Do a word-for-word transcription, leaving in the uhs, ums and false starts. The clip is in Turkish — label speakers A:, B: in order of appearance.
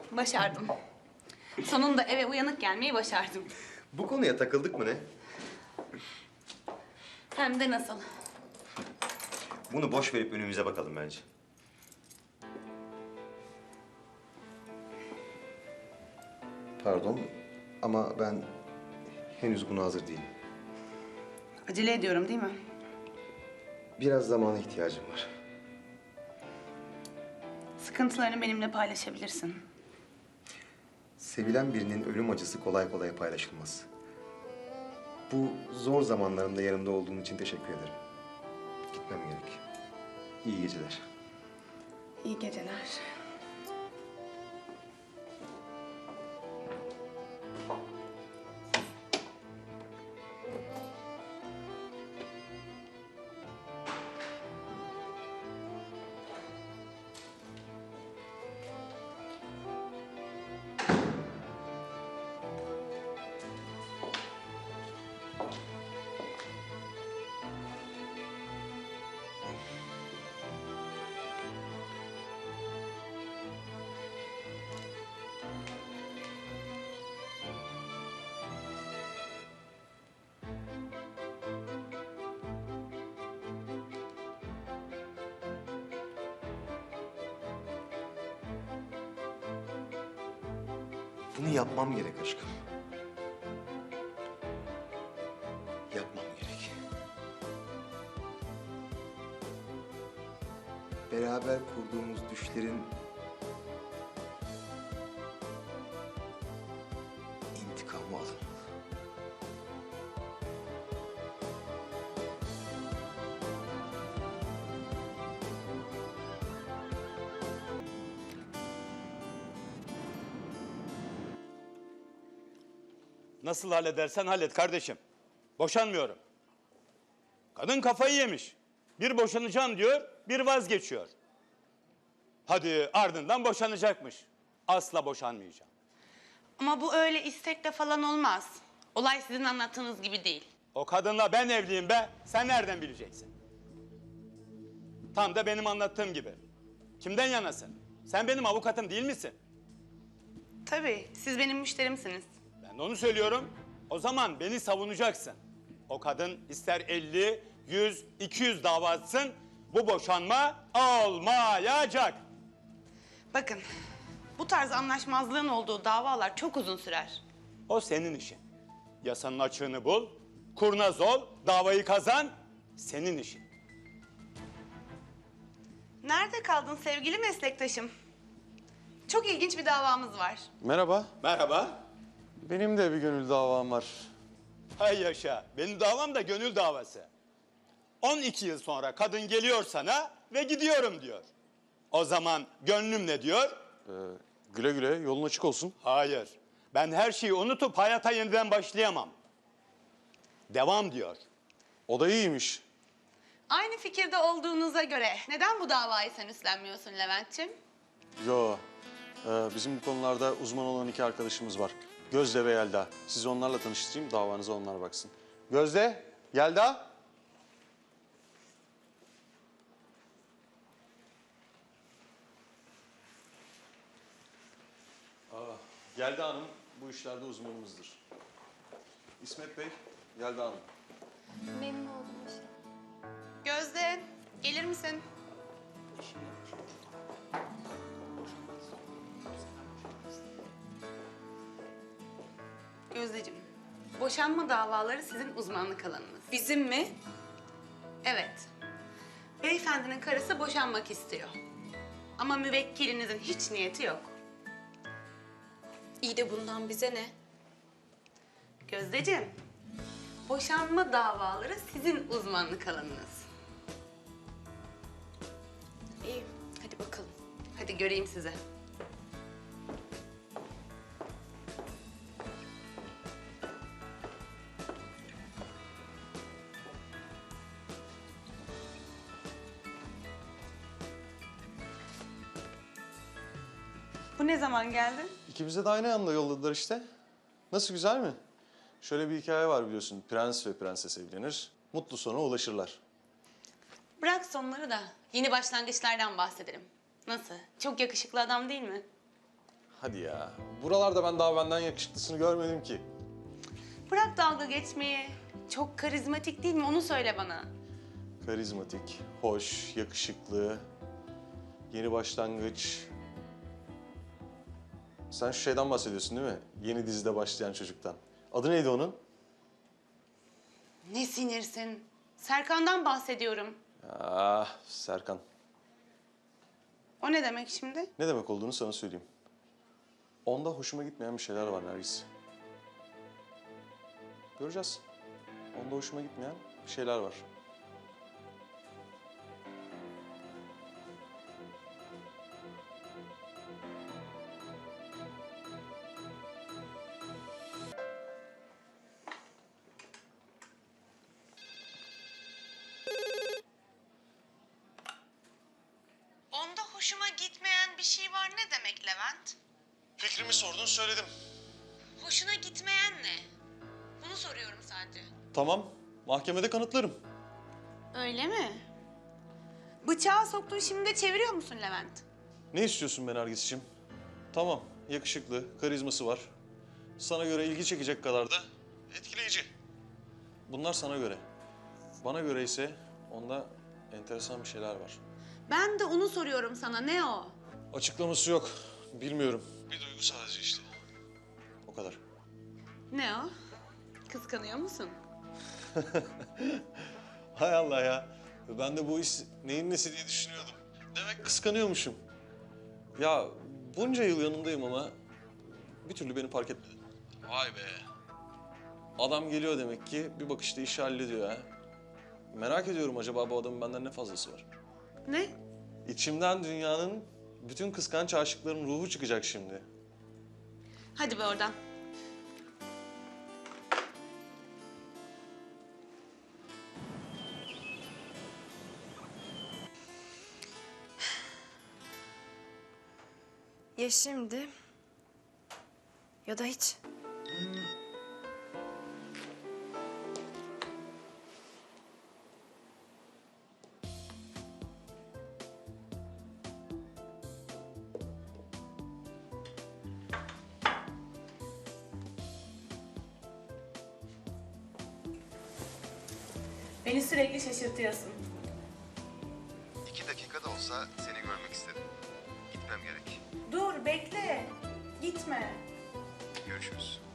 A: Başardım. Sonunda eve uyanık gelmeyi başardım.
B: Bu konuya takıldık mı ne?
A: Hem de nasıl?
B: Bunu boş verip önümüze bakalım bence. Pardon ama ben henüz buna hazır değilim.
A: Acele ediyorum değil mi?
B: Biraz zamana ihtiyacım var.
A: Sıkıntılarını benimle paylaşabilirsin.
B: Sevilen birinin ölüm acısı kolay kolay paylaşılmaz. Bu zor zamanlarımda yanımda olduğun için teşekkür ederim. Gitmem gerek. İyi geceler.
A: İyi geceler.
B: Bunu yapmam gerek aşkım. Yapmam gerek. Beraber kurduğumuz düşlerin intikamı alınmalı.
C: Nasıl halledersen hallet kardeşim. Boşanmıyorum. Kadın kafayı yemiş. Bir boşanacağım diyor, bir vazgeçiyor. Hadi ardından boşanacakmış. Asla boşanmayacağım.
A: Ama bu öyle istekle falan olmaz. Olay sizin anlattığınız gibi değil.
C: O kadınla ben evliyim be. Sen nereden bileceksin? Tam da benim anlattığım gibi. Kimden yanasın? Sen benim avukatım değil misin?
A: Tabii, siz benim müşterimsiniz.
C: Ben de onu söylüyorum. O zaman beni savunacaksın. O kadın ister elli, yüz, iki yüz dava açsın, bu boşanma olmayacak.
A: Bakın, bu tarz anlaşmazlığın olduğu davalar çok uzun sürer.
C: O senin işin. Yasanın açığını bul, kurnaz ol, davayı kazan, senin işin.
A: Nerede kaldın sevgili meslektaşım? Çok ilginç bir davamız var.
D: Merhaba.
C: Merhaba.
D: Benim de bir gönül davam var.
C: Hay yaşa, benim davam da gönül davası. on iki yıl sonra kadın geliyor sana ve gidiyorum diyor. O zaman gönlüm ne diyor?
D: Ee, güle güle, yolun açık olsun.
C: Hayır, ben her şeyi unutup hayata yeniden başlayamam. Devam diyor.
D: O da iyiymiş.
A: Aynı fikirde olduğunuza göre neden bu davayı sen üstlenmiyorsun Levent'ciğim?
D: Yo, ee, bizim bu konularda uzman olan iki arkadaşımız var. Gözde ve Yelda. Sizi onlarla tanıştırayım, davanıza onlar baksın. Gözde, Yelda. Aa, Yelda Hanım bu işlerde uzmanımızdır. İsmet Bey, Yelda Hanım.
E: Memnun oldum.
A: Gözde, gelir misin? Gözdeciğim, boşanma davaları sizin uzmanlık alanınız.
E: Bizim mi?
A: Evet. Beyefendinin karısı boşanmak istiyor. Ama müvekkilinizin hiç niyeti yok.
E: İyi de bundan bize ne?
A: Gözdeciğim, boşanma davaları sizin uzmanlık alanınız.
E: İyi, hadi bakalım.
A: Hadi göreyim sizi. Bu ne zaman geldi?
D: İkimize de aynı anda yolladılar işte. Nasıl, güzel mi? Şöyle bir hikaye var biliyorsun. Prens ve prenses evlenir. Mutlu sona ulaşırlar.
A: Bırak sonları da yeni başlangıçlardan bahsedelim. Nasıl? Çok yakışıklı adam değil mi?
D: Hadi ya. Buralarda ben daha benden yakışıklısını görmedim ki.
A: Bırak dalga geçmeyi. Çok karizmatik değil mi? Onu söyle bana.
D: Karizmatik, hoş, yakışıklı, yeni başlangıç. Sen şu şeyden bahsediyorsun değil mi? Yeni dizide başlayan çocuktan. Adı neydi onun?
A: Ne sinirsin? Serkan'dan bahsediyorum.
D: Ah, Serkan.
A: O ne demek şimdi?
D: Ne demek olduğunu sana söyleyeyim. Onda hoşuma gitmeyen bir şeyler var Nergis. Göreceğiz. Onda hoşuma gitmeyen bir şeyler var.
A: Onda hoşuma gitmeyen bir şey var ne demek Levent?
D: Fikrimi sordun, söyledim.
A: Hoşuna gitmeyen ne? Bunu soruyorum sadece.
D: Tamam, mahkemede kanıtlarım.
A: Öyle mi? Bıçağı soktun şimdi de çeviriyor musun Levent?
D: Ne istiyorsun be Nergis'ciğim? Tamam, yakışıklı, karizması var. Sana göre ilgi çekecek kadar da etkileyici. Bunlar sana göre. Bana göre ise onda enteresan bir şeyler var.
A: Ben de onu soruyorum sana. Ne o?
D: Açıklaması yok. Bilmiyorum. Bir duygu sadece işte. O kadar.
A: Ne o? Kıskanıyor musun?
D: Hay Allah ya. Ben de bu iş neyin nesi diye düşünüyordum. Demek kıskanıyormuşum. Ya bunca yıl yanındayım ama bir türlü beni fark etmedin. Vay be. Adam geliyor demek ki bir bakışta işi hallediyor ha. Merak ediyorum acaba bu adamın benden ne fazlası var?
A: Ne?
D: İçimden dünyanın bütün kıskanç aşıkların ruhu çıkacak şimdi.
A: Hadi be oradan.
E: Ya şimdi ya da hiç.
A: Beni sürekli şaşırtıyorsun.
B: İki dakika da olsa seni görmek istedim. Gitmem gerek.
A: Dur bekle. Gitme.
B: Görüşürüz.